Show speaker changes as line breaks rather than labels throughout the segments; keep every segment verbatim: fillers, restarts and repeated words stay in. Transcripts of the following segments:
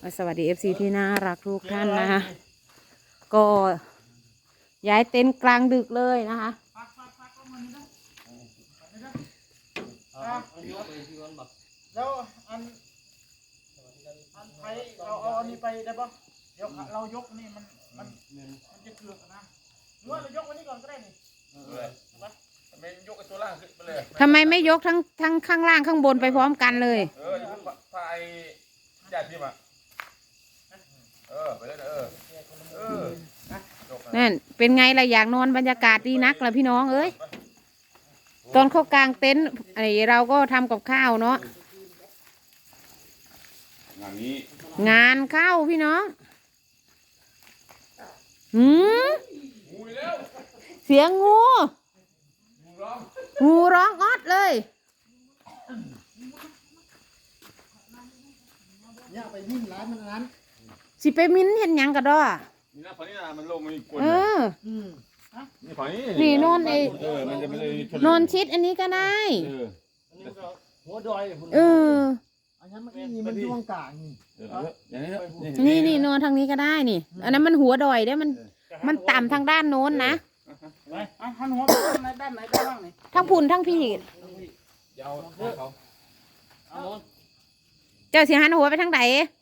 สวัสดีเอฟซีที่น่ารักทุกท่านนะคะก็ย้ายเต็นท์กลางดึกเลยนะคะ
แล้วอันอันไทยเราเอาอันนี้ไปได้ปะเดี๋ยวเรายกนี่มันมันมันจะเกลือกนะหรือว่าเรายกวันนี้ก่อนก็ได้นี่ทำไมยกไอ้ตัวล่างขึ้นไปเลย
ทำไมไม่ยกทั้งทั้งข้างล่างข้างบนไปพร้อมกันเลย
เออยกพายญาติพี่มาเออไปเลยเออเออ
นั่นเป็นไงล่ะอยากนอนบรรยากาศดีนักล่ะพี่น้องเอ้ยตอนเข้ากลางเต็นท์ไอเราก็ทำกับข้าวเนาะ
งานนี้
งานเข้าพี่น้องหืมเสียงงูงูร้องออดเลย
เนี่ยไปมิ้นร้านมันนั้น
สิไปมิ้นเห็นยังกระดอ
นี่นะฝั่งนี้นะมันลงมันกวน
เออ
นี่ฝั่งนี้
นี่นอนไอ
เออมันจะไม่ได้
นอนชิดอันนี้ก็ได้
เออหัวดอย
เออ
อันนั้นมันนี่มันช่วงกลาง
นี่นี่นอนทางนี้ก็ได้นี่อันนั้นมันหัวดอยได้มันมันต่ำทางด้านโน้นนะ
ไปหันหัวไปด้านไหนด้านไหนด้านล่างนี่
ทั้งพุ่นทั้งพี่
ยาวเขา
เจ้าสิหันหัวไปทางไหน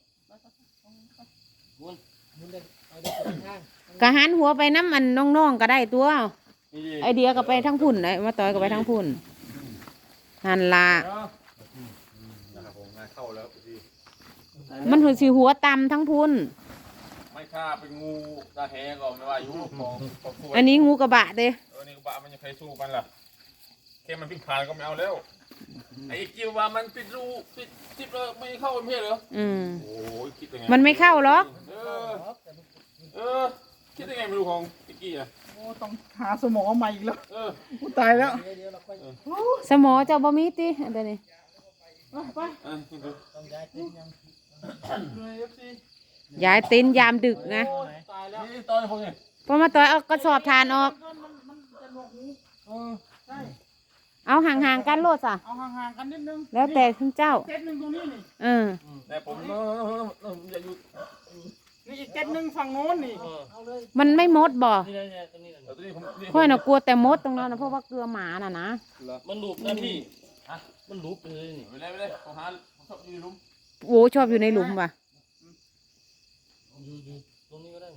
ก็หันหัวไปน้ำมันน้องๆก็ได้ตัวไอเดียก็ไปทั้งพุ่นไอมาต่อยก็ไปทั้งพุ่นหันละมันหัวสีหัวต่ำทั้งพุ่น
ไม่ฆ่าเป็นงูตาแหก่อนไม่ว่าอยู่ของ
อันนี้งูกระบะเด้
เออนี่กระบะมันยังใครสู้กันล่ะแค่มันพิการก็ไม่เอาแล้วไอ้กิวว่ามันปิดรูปิดจิบเลยไม่เข้าเป็นเพศเหรอ
อืม
โอ้ยคิดยังไง
มันไม่เข้าหรอก
เออเออคิดยังไงไม่รู้ของติ๊กกี้อ่ะโอ้ต้องหาสมอใหม่อีกแล้วเออกูตายแล้ว
สมอเจ้าบะมีติอันนี้
ไปต้องย้ายเต็นท์ยัง
ย้ายเต็นท์ยามดึกนะ
ตายแล้วนี่ตอนคนเนี่ย
พอมาต่อยเอากระสอบทานออกเอาห่างๆกันโลดจ้ะ
เอาห่างๆกันนิดนึง
แล้วแต่คุณเจ้า
เต็นท์หนึ่งตรงนี้นี่
เออ
แต่ผมอย่าอยู่นี่อีกเต็นท์หนึ่งฝั่งโน้นนี่
มันไม่มดบ่ค่อยน่ะกลัวแต่มดตรงนั้นนะเพราะว่าเกลือหมาน่ะนะ
มันหลุดนะพี่มันหลุดเลยนี่
ไม่ได้ไม่ได้ผมหาผมชอบอยู่ในหลุม
โอ้ชอบอยู่ในหลุมว่ะ
อยู่ตรงนี้ก็ได้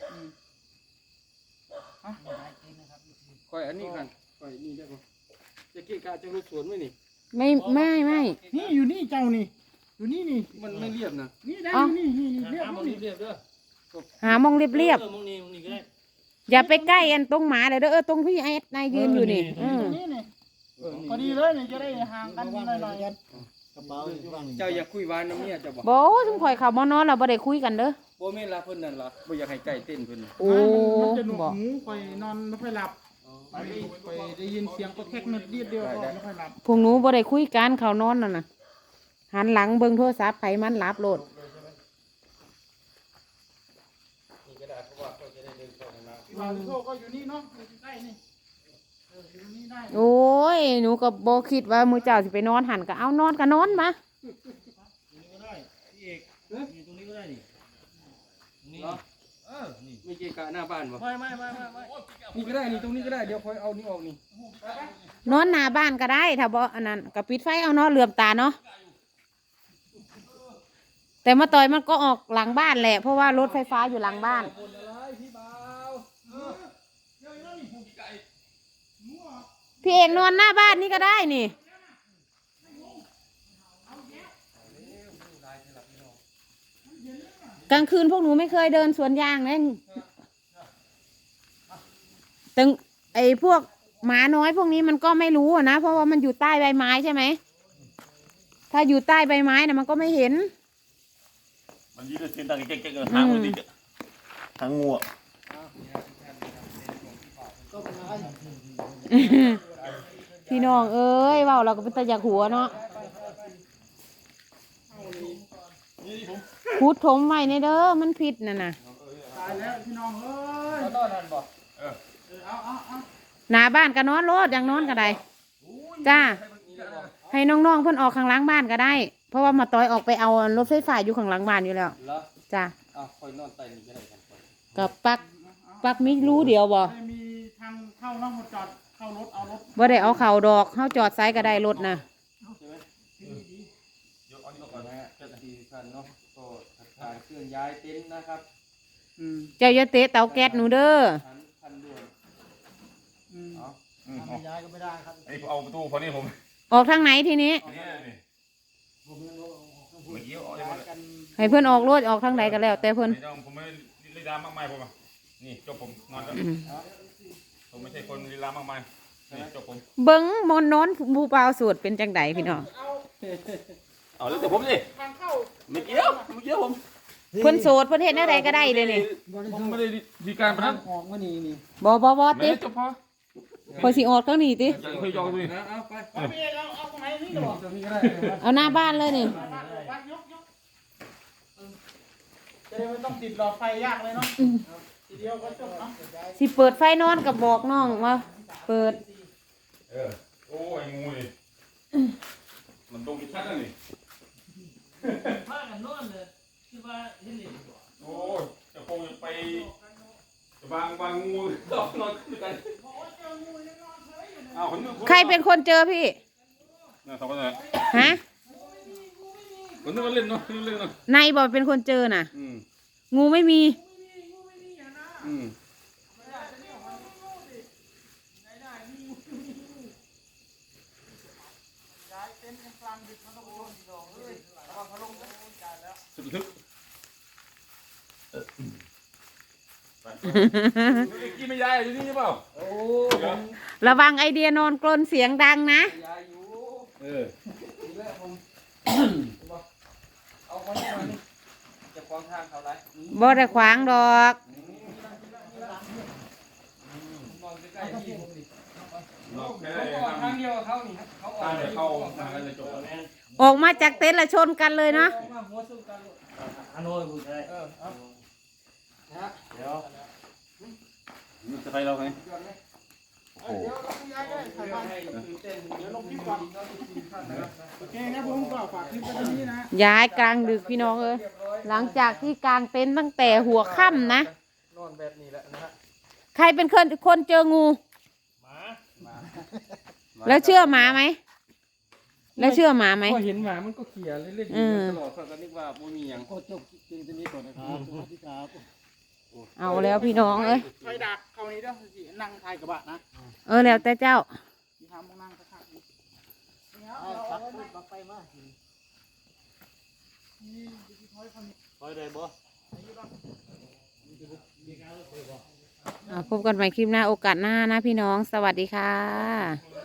ค่อยอันนี้กันค่อยนี่ได้ปะจะเกะกะจะรู้สวนไหมนี่
ไม่ไม่ไม่
นี่อยู่นี่เจ้านี่อยู่นี่นี่มันไม่เรียบนะนี่ได้นี่นี่นี่เรียบนี่เรียบเด้อ
หามองเรียบเรียบอย่าไปใกล้อันตรงหมาเลยเด้อเออตรงพี่ไอ้นายยืนอยู่นี่
พอดีเลยนี่จะได้ห่างกันหน่อย
เจ้าอยากคุยวานน้ำเนี่ยเจ้าบอก
โบ้ทุ่งข่อยเขามานอนเราบ่ได้คุยกันเด้อ
โบ้ไม่รับเพิ่นนั่นหรอบ่อยากให้ใกล้เต้นเพิ่น
โอ้
มันจะหนวกหูข่อยนอนไม่ค่อยหลับข่อยได้ยินเสียงก็แค่นิดเดียวเดียวก็ไม่ค่อยหลับ
พวกหนูบ่ได้คุยกันเขานอนน่ะนะหันหลังเบิ่งโทรศัพท์ไผมันหลับโลด
นี่ก็ได้เพราะว่าเขาจะได้เดินเข้าห้องน้ำ
พี่บ่าวโทรก็อยู่นี่เนาะอยู่ใกล้นี่
โอ้ยหนูก็บ่คิดว่ามื้อเจ้าสิไปนอนหันก็เอานอนก็นอนมา
ตรงนี้ก็ได้พี่เอกนี่ตรงนี้ก็ได้นี่นี่เออนี่ไม่เกะกะหน้าบ้านบ่
ไม่ไม่ไม่ไม่ไม่
นี่ก็ได้นี่ตรงนี้ก็ได้เดี๋ยวค่อยเอานี่ออกนี่
นอนหน้าบ้านก็ได้ถ้าบ่อันนั้นก็ปิดไฟเอาเนาะเหลื่อมตาเนาะแต่มาต่อยมันก็ออกหลังบ้านแหละเพราะว่ารถไฟฟ้าอยู่หลังบ้านพี่เอกนอนหน้าบ้านนี่ก็ได้นี่กลางคืนพวกหนูไม่เคยเดินสวนยางเลยตึงไอ้พวกหมาน้อยพวกนี้มันก็ไม่รู้นะเพราะว่ามันอยู่ใต้ใบไม้ใช่ไหมถ้าอยู่ใต้ใบไม้นะมันก็ไม่เห็น
มันยืดเส้นต่างเก่งๆทางมันดิทางงู
พี่น้องเอ้ยว่าเราก็เป็นตาอยากหัวเนาะพูดถมไว้ในเด้อมันผิดน่ะนะ
ตายแล้วพี่น้องเอ้ยนอนนั่นบ่เออเอาเอาเอา
หน้าบ้านก็นอนโลดอย่างนอนก็ได้จ้าให้น้องๆเพิ่นออกข้างหลังบ้านก็ได้เพราะว่ามาต้อยออกไปเอารถไฟฟ้าอยู่ข้างหลังบ้านอยู่แล้ว
แล้ว
จ้ะ
อ้าวคอยนอนใต้นี่ก็ได้กันก่อน
กับปักปักมีรู้เดียวบ่
ไม่มีทางเข้าเนาะมาจอดเข้ารถเอารถ
บ่ได้เอาเข่าดอกเฮาจอดไซก็ได้รถนะ
ใช่ไหมยกเอานี่ก่อนนะฮะเจ้าหน้าที่ทุกท่านเนาะก็ทำการเคลื่อนย้ายเต็นท์นะครับ
อืม
เจ้าอย่าเตะเตาแก๊สหนูเด้อ
ทันทันด่วน
อืม
เอา
อืม
ทำไม่ย้ายก็ไม่ได้ครับ
ไอ้เอาประตูพอนี้ผม
ออกทางไหนทีนี้
นี่นี่
ผมยังเอาออกข้างบน
เมื่อกี้เอา
ย้ายกัน
ให้เพิ่นออกรถออกทางใดก็แล้ว แต่เพิ่น
ไม่ต้องผมไม่ลีลามากมายผมอ่ะนี่จบผมนอนแล้ว
อืม
ผมไม่ใช่คนลีลามากมายนี่จบผม
เบิ่งมนต์โน้นบูเปล่าสูตรเป็นจังไดพี่น้อง
เอา
เอาแล้วแต่ผมสิ
ทางเข้า
ไม่เกี่ยวไม่เกี่ยวผม
เพิ่นโสดเพิ่นเฮ็ดแนวใดก็ได้เด้นี่
ผมไม่ได้ดีการพนัน
ออกมานี่นี่
บ่บ่บ่
ไม่
ติ
จบพอ
พอยสิออกทางนี้ติ
ยังเคยยองดูนี่
นะเอาไป
เอาพี่เอกเอาเอาตรงไหนนี่เหรอ
ตรงนี้ก็ได้
เอาหน้าบ้านเลยนี่
มาบ้านวัดยกยกเออจะได้ไม่ต้องติดหลอดไฟยากเลยเนาะทีเดียวก็จบเนาะ
สิเปิดไฟนอนก็บอกน้องว่าเปิด
เออโอ้ยงูนี่มันตรงชัดแล้วนี่
พากันนอนเลยคือว่าเห็นเลย
โอ้ยจะคงจะไปจะวางวางงูนอนนอนด้วยกันอ้าวคนนึง
ใครเป็นคนเจอพี่
เนี่ยสองคนเลย
ฮะ
คนนึงก็เล่นเนาะเล่นเนาะ
นายบอกเป็นคนเจอน่ะ
อืม
งูไม่มี
อืม
ย้ายเต็นท์กลางดึกมันต้องโดนดอกเลยระวังพัดลมนะจ่ายแล้ว
สุดทึกกี่ไม่ย้ายอยู่นี่ใช่เปล่า
โอ้
ระวังไอเดียนอนกลนเสียงดังนะ
ยายอยู่
เออ
นี่แหละผมเอาไว้มานี่จะขวางทางเขาไร
บ่ได้ขวางดอก
มองใกล้ๆที่ผมดิ
นอกแค่
เขาออกทางเดียวกับเขานี่เขาออก
ทางเดียวเข้าทางกันจะจบ
ออกมาจากเต็นท์ละชนกันเลยเนาะ
ออกมาหัวสู้กันลูก
ฮัลโหลพูดได้
เออเอานะฮะ
เดี๋ยว
นี่จะไปเราไง
ย้อนไหม
เอ้ยเดี๋ยวเราย้ายก็ได้ถ่ายบ้าน
ให้ตื่นเต้น
เดี๋ยวลงคลิปก่อนโอเคครับผมก็ฝากคลิปไว้ตรงนี้นะ
ย้ายกลางดึกพี่น้องเอ้ยหลังจากที่กลางเต็นท์ตั้งแต่หัวค่ำนะ
นอนแบบนี้แหละนะฮะ
ใครเป็นคนคนเจองู แล้วเชื่อหมาไหม แล้วเชื่อหมาไหม
พอเห็นหมามันก็เขี่ยเล่นๆอยู่ตลอดก็นึกว่าบ่มีหยัง
โคจบจริงตัวนี้ก่อนนะครับสวัสดีครับ
เอาแล้วพี่น้องเอ้ย
ไฟดักเข้านี้ด้วยสินั่งท้ายกระบะนะ
เออแล้วแต่เจ้า
มีทางมองนั่งข้างๆนี่เอาเอาไว้บักไฟมานี่ที่ถอยคนนี้
คอยได้บ่
อ่าพบกันใหม่คลิปหน้าโอกาสหน้านะพี่น้อง สวัสดีค่ะ